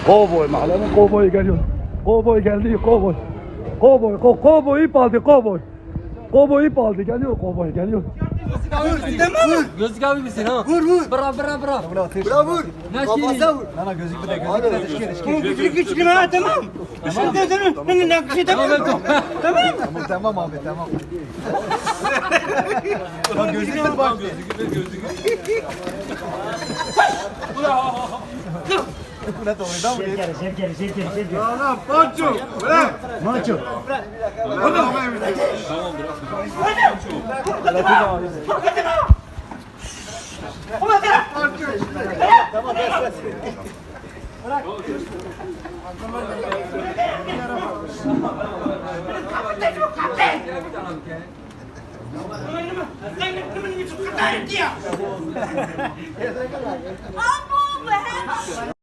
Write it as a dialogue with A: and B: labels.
A: Kovboy mahallenin kovboyu geliyor. Kovboy geldi kovboy. Kovboy ip aldı kovboy. Kovboy ip aldı geliyor kovboy geliyor.
B: Vur. Gözlük abi misin ha?
C: Vur.
B: Bra.
C: Bura vur.
B: Kafasına
C: vur.
D: Nana gözlük de
C: Küçük ha tamam. Şimdi tamam. Ben nakışı tamam.
D: Tamam abi tamam. Bak gözlük de bak. Ulan oyunda mı?
C: Ana Pancho. Bırak.
D: Maço.
E: Abo,